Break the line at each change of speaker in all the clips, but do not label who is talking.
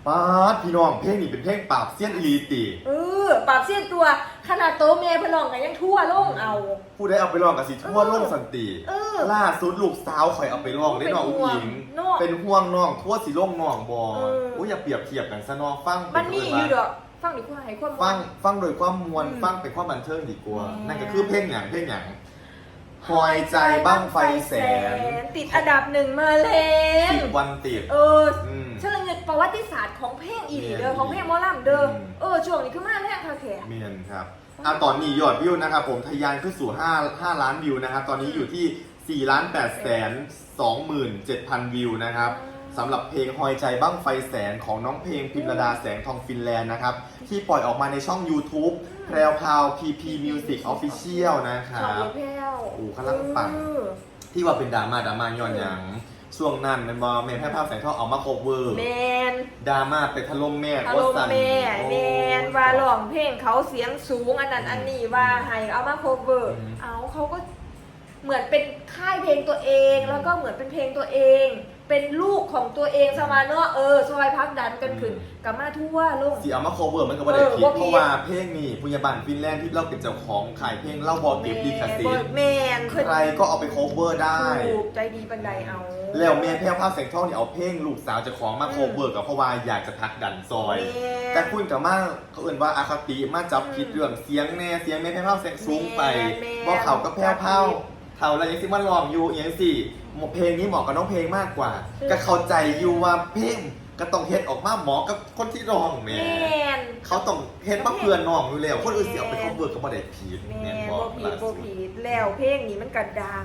ป้าพี่น้องเพลงนี้เป็นเพลงปราบเซียนอีลีติ
ปราบเสี้ยนตัวขนาดโตเมย์พลองกันยังทั่วโลกเอา
ผู้ได้เอาไปร้องกับสิทั่วโลกสันติล่าสุดลูกสาวข่อยเอาไปร้องได้น้องอุ้งอิงเป็นห่วงน้องทั่วสิโลกน้องบ่อย่าเปรียบเทียบกันซะน้องฟัง
มันมีอยู่ดอกฟังดีกว่าให้ความ
ฟังโดยความมวลฟังเป็นความบันเทิงดีกว่านั่นก็คือเพลงหยังหอยใจบั้งไฟแสน
ติดอันดับ1มาแล้ว
10 วันติด
เชื่อเงินประวัติศาสตร์ของเพลงอีลีเด้อของเพลงหมอลำเด้อช่วงนี้คือมาแรกค่ะแขก
เมียนครับตอนนี้ยอดวิวนะครับผมทะยานขึ้นสู่5 ล้านวิวนะครับตอนนี้อยู่ที่4,827,000 วิวนะครับสำหรับเพลงหอยใจบั้งไฟแสนของน้องเพลงพิมรดาแสงทองฟินแลนด์นะครับที่ปล่อยออกมาในช่อง YouTube แพรวพราว PP Music Official นะครับกำลังปังที่ว่าเป็นดราม่าย้อนอย่างช่วงนั้นเป็นบอแม่แพร่ภาพแสงทองเอามาโคเวอร์ดราม่าไปถล่มแม่
ว่าร้องเพลงเขาเสียงสูงอันนั้นอันนี้ว่าให้เอามาโคเวอร์เขาก็เหมือนเป็นค่ายเพลงตัวเองแล้วก็เหมือนเป็นเพลงตัวเองเป็นลูกของตัวเองสมาเนาะซอยพักดันกันขึ้นกับมาทั่วโลก
สิเอามาโคเวอร์มันก็ไม่ได้ผิดเพราะว่าเพลงนี้พยาบาลฟินแลนด์ที่เราเป็นเจ้าของขายเพลงเล่าบอลเก็บดีคาเซ่ใครก็เอาไปโคเวอร์ได้
ใจดีบันไดเอา
แล้วแม่แพร่ภาพแสงทองเนี่ยเอาเพลงลูกสาวเจ้าของมาโคเวอร์กับเพราะว่าอยากจะพักดันซอยแต่คุณกับมาเขาเอ่นว่าอาคติมาจับผิดเรื่องเสียงแม่แม่แพร่ภาพแสงสูงไปบอกเขาก็แพร่ภาพเท่าไรยังสิมันลองอยู่อย่างสิเพลงนี้เหมาะกับน้องเพลงมากกว่าก็เข้าใจอยู่ว่าเพลงก็ต้องเฮ็ดออกมาเหมาะกับคนที่ร้องแม่เขาต้องเฮ็ดมาเพื่อนน้องอยู่แล้วคนอื่นเสียไปเขาเบิกก็บ่ได้ผิด
แม่บ่ผิดแล้วเพลงนี้มันก็ดัง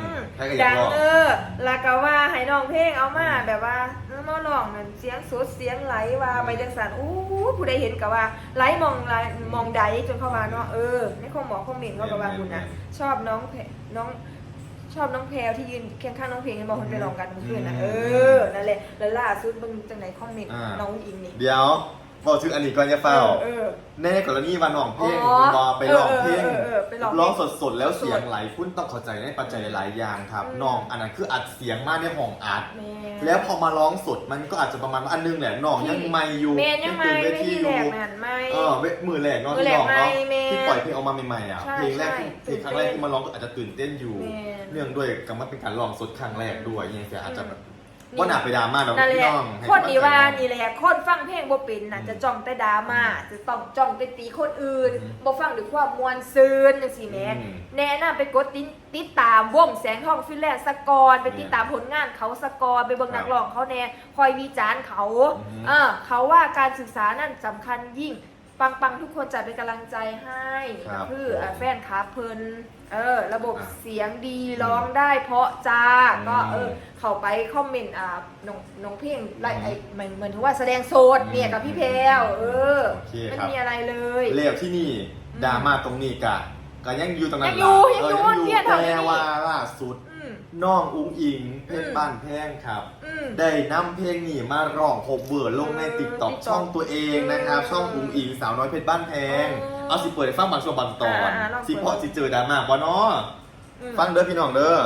แล้วก็ว่าให้น้องเพลงเอามาแบบว่ามาร้องนั่นเสียงสดเสียงไหลว่าไปจังซั่นผู้ใดเห็นก็ว่าไหลมองใดจนเข้าว่าเนาะในคอมหมอคอมเมนต์เขาก็ว่าคุณนะชอบน้องแพรวที่ยืนเคียงข้างน้องเพลงกันบอกคนไปลองกันเมื่อคืนนะนั่นแหละแล้วล่าสุดมึงจังไหนคอมเมนต์น้องอิงนี่
เดี๋ยวบอกชื่ออันนี้ก่อนจะเฝ้าในกรณีวันน้องเพลงไปลองเพลงร้องสดๆแล้วเสียงไหลคุณต้องเข้าใจในปัจจัยหลายอย่างครับน้องอันนั้นคืออัดเสียงมากในห้องอัดแล้วพอมาร้องสดมันก็อาจจะประมาณอันนึงแหละน้องยังไม่อยู่
ยังตื่นเวทีอยู่
มือแรกน้องที่ร้องเนาะที่ปล่อยเพลงออกมาใหม่ๆอ่ะเพลงแรกเพลงครั้งแรกที่มาร้องก็อาจจะตื่นเต้นอยู่เนื่องด้วยกับมันเป็นการร้องสดครั้งแรกด้วยยังไงอาจจะว่าหนาไปดราม่าเราพี่น้อง
คนดีว่านี่แหละคนฟังเพลงบ่เป็นน่ะจะจ้องแต่ดราม่าจะต้องจ้องไปตีคนอื่นบ่ฟังด้วยความมวลซื่นจังซี่แหมแนะนำไปกดติดตามวงแสงทองฟินแลนด์สกอร์ไปติดตามผลงานเขาสกอร์ไปเบิ่งนักร้องเขาแน่คอยวิจารณ์เขาเขาว่าการศึกษานั่นสำคัญยิ่งปังทุกคนจะเป็นกำลังใจให้คือแฟนคลับเพิ่นระบบเสียงดีร้องได้เพราะจ้าก็เข้าไปคอมเมนต์น้องเพลงเหมือนที่ว่าแสดงโสดเนี่ยกับพี่แพรวไม่มีอะไรเลย
เลี้ยวที่นี่ดราม่าตรงนี้ก็ยังอยู่ตรงนั้น
อยู่
แต่ว่าล่าสุดน้องอุ้งอิงเพลงบ้านแพงครับได้นำเพลงนี้มาร้องโคเวอร์ลงใน TikTok ช่องตัวเองนะครับช่องอุ้งอิงสาวน้อยเพชรบ้านแพงเอาสิเปิดให้ฟังบางช่วงบางตอนสิเพราะสิเจอดราม่าบ่เนาะฟังเด้อพี่น้องเด้อ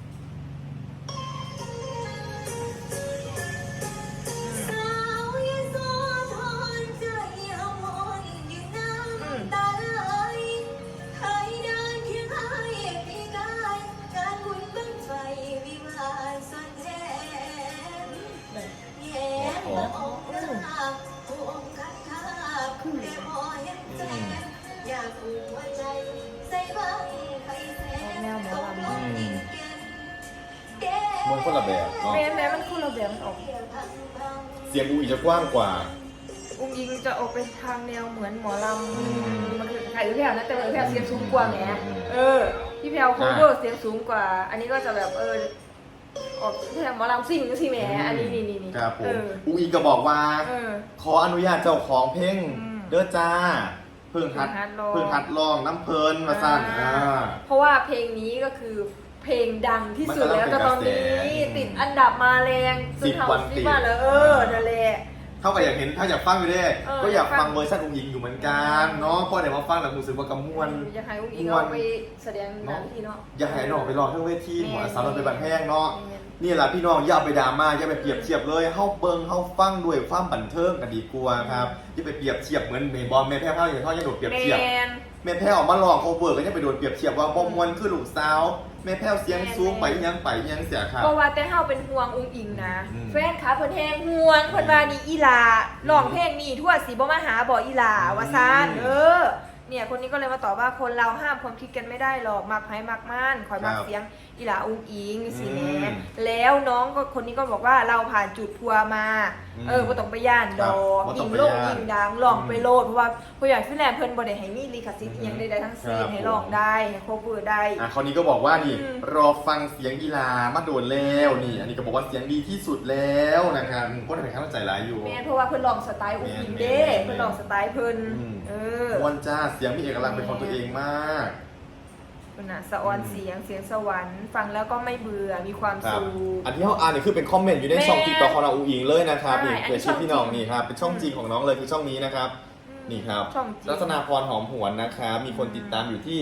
มันคนละแบบ
แม้มันคนละแบบมันออก
เสียงอุ้งอิงจะกว้างกว่า
อุ้งอิงจะออกไปทางแนวเหมือนหมอลำมันคือใครพี่แพรวนะแต่พี่แพรวเสียงสูงกว่าแหมพี่แพรวโคเวอร์เสียงสูงกว่าอันนี้ก็จะแบบออกพี่แพรวหมอลำซิ่งก็สิแหมอันนี้นี่
ครับผมอุ้งอิงก็บอกว่าขออนุญาตเจ้าของเพลงเด้อจ้าเพิ่งหัดร้องน้ำเพลินมาสั่น
เพราะว่าเพลงนี้ก็คือเพลงดังที่สุดแล้วก็ตอนนี้ติดอันดับมาแรง
10 วันติด
มาแล้วนั่นแหละ
เท่ากับอยากเห็นถ้าอยากฟังอยู่ด้วย
เออ
ก็อยาก
ฟั
ฟั
ง
งเวอร์ชันอุ้งอิงอยู่เหมือนกันเนาะเพราะเดี๋ยวมาฟังแล้วรู้สึกว่ากำมวล
อยากให้อุ้งอิงเอาไปแสดงหนังที่เนาะ
อยากให้น้องไปลองทั้งเวทีหมอสาวเราไปบันแพงเนาะ
แม่น
นี่แหละพี่น้องอย่าเอาไปดราม่าอย่าไปเปรียบเทียบเลยเฮาเบิ่งเฮาฟังด้วยความบันเทิงกันดีกว่าครับอย่าไปเปรียบเทียบเหมือนเมย์บอลแม่แพ้วอย่างเขาจะโดดเปรียบเทียบ
แม่น
แม่แพ้วออกมาลองโคเวอร์ก็จะไปโดนเปรียบเทียบว่าบ่มวนคือลูกสาวแม่แพ้วเสียงสูงไปยังเสียค่ะ
เพราะว่าแต่เฮาเป็นห่วงอุ้งอิงนะ
อืม
แฟนขาเพิ่นแฮงห่วงเพิ่นว่านี่อีหลาร้องเพลงนี่ทั่วสิบ่มาหาบ่อีหลาว่าซ่านเนี่ยคนนี้ก็เลยมาตอบว่าคนเราห้ามความคิดกันไม่ได้หรอกมักไผมักม่านคอยมักเสียงอีหลาอุ้งอิงสิแหม่แล้วน้องก็คนนี้ก็บอกว่าเราผ่านจุดพัวมาบ่ต้องไปย่านดอกยิงโลกยิงดังลองไปโลดเพราะว่าผู้ใหญ่ฟินแลนด์เพิ่นบ่ได้ให้มีลิขสิทธิ์อิหยังใดๆทั้งสิ้นให้ร้องได้ให้โคเวอร์ได้
คราวนี้ก็บอกว่านี่รอฟังเสียงกีฬามาโดนแล้วนี่ อันนี้ก็บอกว่าเสียงดีที่สุดแล้วนะครับก็ทำให้ข้าใจร้ายอยู่
แม่นเพราะว่าเพิ่นร้องสไตล์อุ้งอิงเด้เพิ่นร้องสไตล์เพิ่น
มวนจ้าเสียงมีเอกลักษณ์เป็นของตัวเองมาก
เป็นน่ะสะออนเสียงสวรรค์ฟังแล้วก็ไม่เบื่อมีความ
ครับ
สุข
อันที่เขาอ่านนี่คือเป็นคอมเมนต์อยู่ในช่องติ๊กต็อกของน้องอูอิงเลยนะครับ
ใช่
นี่
อันนี้
เกิดชื่อพี่น้อง
ช่องจริง
นี่ครับเป็นช่องจริงของน้องเลยคือช่องนี้นะครับ นี่ครับ
ช่องจริง
รัตนาพรหอมหวนนะครับมีคนติดตามอยู่ที่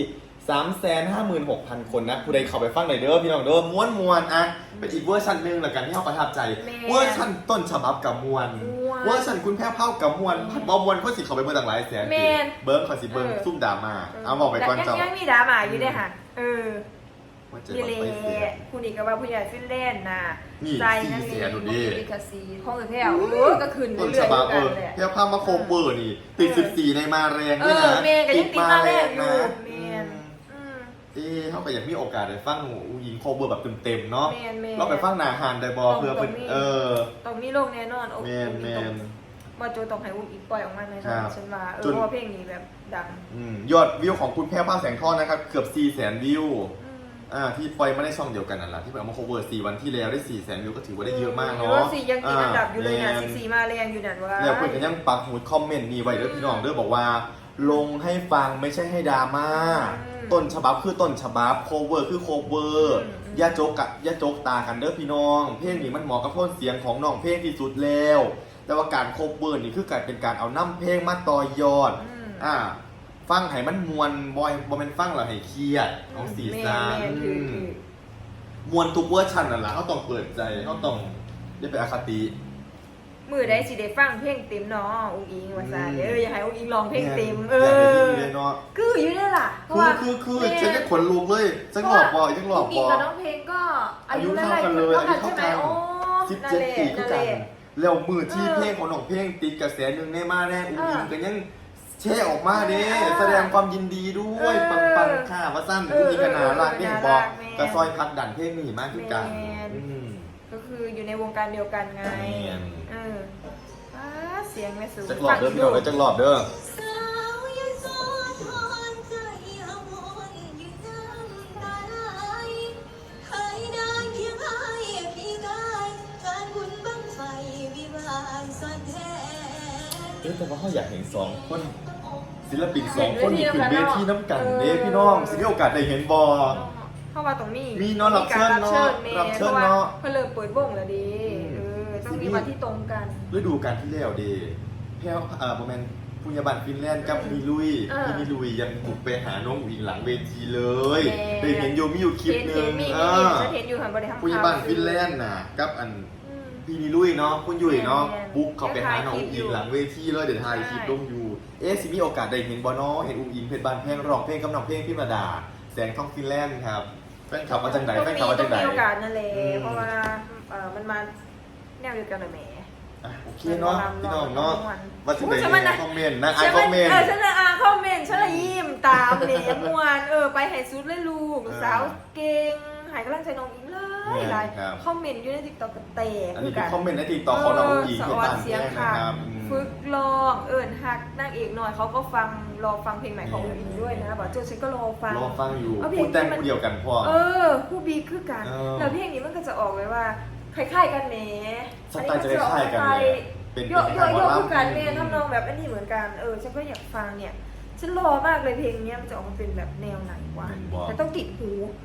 356,000 คนนะผู้ใดเข้าไปฟังหน่อยเด้อพี่น้องเด้อม้วนๆอ่ะเป็นอีกเวอร์ชันหนึ่งละกันที่เขาประทับใจ เวอร์ชันต้นฉบับกับมวลเวอร์ชันคุณแพ้วเผากับมวลพัดบอมวลเขาสิเขาไปเบิ่งต่างหลายแสนเบิ้งเขาสิเบิ้งซุ่มดราม่าเอาบอกไปก่อนเจ้า
ยังมีดราม่าอยู่เด้ค่ะ
ว่าเจอ
นี่
บั
เล
งไฟเสีย
ยคุณอีกก็ว่าผู้ใหญ่ฟินแลนด์น่ะ
นี่
ใจนั่น
400,000
เอง
ดูดิ
ลิขสิทธิ์ของแพ้วก็ขึ้น
ต้น
เรื่
ฉ
อย
บับ
ๆกันแหละ
แพ้วเผามาโคเวอร์นี่ติด14ในมาแรงด้วยนะ
เมย์ก็ยังติดมาแรกอยู่
นะ
เมน
เขาก็อยากมีโอกาสได้ฟังอูยิงโคเวอร์แบบเต็มๆเนาะ
แมน
เราไปฟังหนาฮานได้บอเพื่อเป็น
ต้องมีโลกแน่นอนโอ้
แมนแมน
ว่าโจต้องให้อุ้มอีกปล่อยออกมาแน่น
ครั
อน
บ
ฉันว่าเพ
จน
ราะว่าเพลงนี้แบบดัง
ยอดวิวของคุณแพ้วผ้าแสงทอดนะครับเกือบ 400,000 วิวที่ปล่อยมาได้ช่องเดียวกันนั่นแหละที่ไปเอามาโคเวอร์4 วันที่แล้วได้ 400,000 วิวก็ถือว่าได้เยอะมากเนาะ
สี่ยังติดอันดับอยู่เลยนะสี่มาแรงอยู่นั่นว่า
แล้วเพื่อนก็ยังปักหมุดคอมเมนต์นี่ไว้ด้วยพี่น้องเด้อบอกว่า ลงให้ฟังไม่ใช่ให้ดราม่าต้นฉบับคือต้นฉบับโคเวอร์คือโคเวอร์อย่าโจกตากันเด้อพี่น้องเพลงนี้มันเหมาะกับโทนเสียงของน้องเพลงที่สุดแล้วแต่ว่าการโคเวอร์นี่คือการเป็นการเอาน้ำเพลงมาต่อยอดฟังให้มันมวนบ่เป็นฟังแล้วให้เครียดของสีสันมวนทุกเวอร์ชันนั่นแหละเขาต้องเปิดใจเขาต้องได้เป็นอคติ
มือได้สิได้ฟังเพลงเต็มเนาะอุ้งอิงว่าซะอยากให้อุ้งอิงร้องเพลงเต็มคืออยู่ได้ล่ะเพราะว่า
คือฉันจะขนลุกเลยฉันหลอกบอยฉันหลอกบ
อุ้งอิง
อ
กับน้องเพลงก็อายุ
เท่ากันเลย
เท่ากันใช่ไหมโอ้
17 ปีคือกันแล้วมือที่เพลงของน้องเพลงติดกระแสหนึ่งในมาแน่อุ้งอิงก็ยังแช่ออกมาเด้แสดงความยินดีด้วยปังๆค่ะว่าสั้นอุ้งอิงกันหนารักเนี่ยบอกกระซอยพักดันเพลงนี่มากขึ้นกัน
ก็คืออยู่ในวงการเดียวกันไงเสียงไม่สูง
จักรอบเด้อพี่น้องเลยจักรอบเด้อแต่ว่าเขาอยากเห็น2 คนศิลปิน2 คนที่ขึ้นเวทีน้ำกันเด้พี่น้องสิมีโอกาสได้เห็นบอ
เข้ามาตรงนี้
มีเนาะรับเชิญเนาะรับเชิญเนาะ
เพื่อเริ่มเปิดวงแล้วดีต้องมีวันที่ตรงกัน
ฤดูกาลที่แล้วดีแพ้วโมเมนต์ปุญญาบัตรฟินแลนด์กับมีลุยที่มีลุยยังบุกไปหาน้องอุ๋งอิงหลังเวทีเลยได้เห็นโยมีอยู่คลิปนึง
เห็นอยู่หันบริหาร
ปุญญาบัตรฟินแลนด์น่ะกับอันพี่มีลุยเนาะคุณยุ้ยเนาะบุกเข้าไปหาน้องอุ๋งอิงหลังเวทีเลยเดี๋ยวถ่ายคลิปลงอยู่สิมีโอกาสได้เห็นบอเนาะเห็นอุ๋งอิงเพชรบานเพลงร้องเพลงกับน้องเพลงพี่มาดาแสงทองฟินแลนด์ครับแฟนคลับมาจากไหนแฟนคลับมาจากไหน
มีโอกาสนั่นแหละเพราะว่ามันมาแนวเดียวกันเลยแหม
โอเคเนาะพี่น้องเนาะว่าจะไปคอมเมนต์นะอ่านคอมเมนต์
ฉันจะอ่านคอมเมนต์ฉันละยิ้มตามเลยมวนไปให้สุดเลยลูกสาวเก่งหายกำลังใจน้องอิงเลยหลายคอมเมนต์อยู่ในติ๊กต็อกกันเตะ
อันนี้เป็นคอมเมนต์ในติ๊กต็อกของน้องอิงที่บ้านแจ้งนะครับ
ฝึกลองหักนางเอกหน่อยเขาก็ฟังรอฟังเพลงใหม่ของอิงด้วยนะบอกโจฉันก็รอฟัง
อยู่พูดแต่งเดียวกันพอ
ผู้บีคือกันแล้วเพลงนี้มันก็จะออกไว้ว่าคล้ายๆกันแหม
สไตล์จะคล้ายๆกัน
เป็นโยคือกันแม่ทำนองแบบอันนี้เหมือนกันฉันก็อยากฟังเนี่ยฉันรอมากเลยเพลงนี้มันจะออกมาเป็นแบบแนวไหนวะแต่ต้องติดหู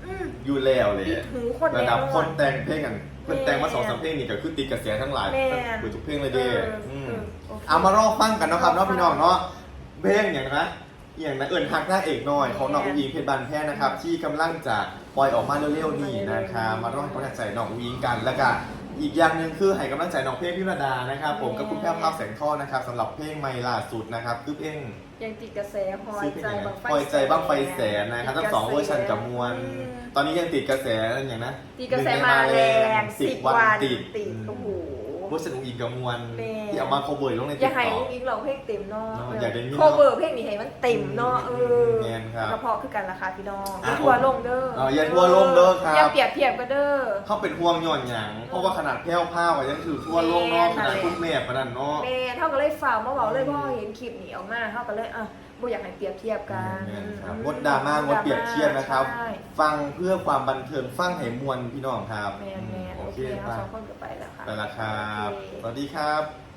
อยู่แล้วเลย
ติดหูคน
ระดับ
แน่นอน
คนแต่งเพลงกันเพิ่นแต่งมา
แม่
2-3เพลงนี่ก็คือติดกระแสทั้งหลาย
แม่
เปิดทุกเพลงเลยเด้
โอเค
เอามารอฟังกันนะครับเนาะพี่น้องเนาะเพลงอย่างนะอย่างนะเอิญฮักหน้าเอกหน่อยของน้องอุ้งอิงเพชรบานแพ้นะครับที่กำลังจะปล่อยออกมาเร็วๆนี่นะครับมารอให้กำลังใจน้องอุ้งอิงกันแล้วก็อีกอย่างหนึ่งคือให้กำลังใจน้องเพลงพิรดานะครับผมกับคุณแพ้วภาพแสงทอดนะครับสำหรับเพลงใหม่ล่าสุดนะครับคือเพลง
ยังติดกระแสหอ
ซื้
ย
อเพลง
ใจ
อะไร
บางไฟ
ปล่อยใจบ้างไฟแสนนะครับทั้งสองเวอร์ชันกับมวล ตอนนี้ยังติดกระแสอย่างนะ
ติดกระแสมาแรง10 วันติดโอ้โห
เวอร์ชันอุ้งอิงกับมวล
แม่
ที่เอามา cover ลงใน
อ
ติ๊
ย่าก ให้
ต็อก
อุ้งอิงเราเพลงเต็มเนาะ
เนาะอยากได้ยิน
โคเวอร์เพลงนี้ให้มันเต็มเนาะ
แม่นครับ
กระเพาะคือกันราคาพี่น้อง
อ่ะ
ทัวร์ลงเด้อ
อย่าทัวร์ลงเด้อครับ
อย่าเปรียบเทียบกันเด้อ
เขาเป็นห่วงย่อนหยังเพราะว่าขนาดแพ้วผ้าไว้ยังถือทั่วโลกเนอกขนาดทุกแม่ปะนั่นเนาะ
แม่เท่ากันเลยฝ่ากมาบอกเลยเพราะเห็นคลิปนี้ออกมาเท่ากันเลยบ่อยากให้เปรียบเทียบกัน
แม่นครับงดดราม่างดเปรียบเทียบนะครับ
ใช่
ฟังเพื่อความบันเทิงฟังให้มวลพี่น้องครับ
แม่น
โอ
โอ
เค
เค
ไป
เราสองคนก็ไปแล้วค่ะ
ไปละครับ
โอเค
สวัสดีครับ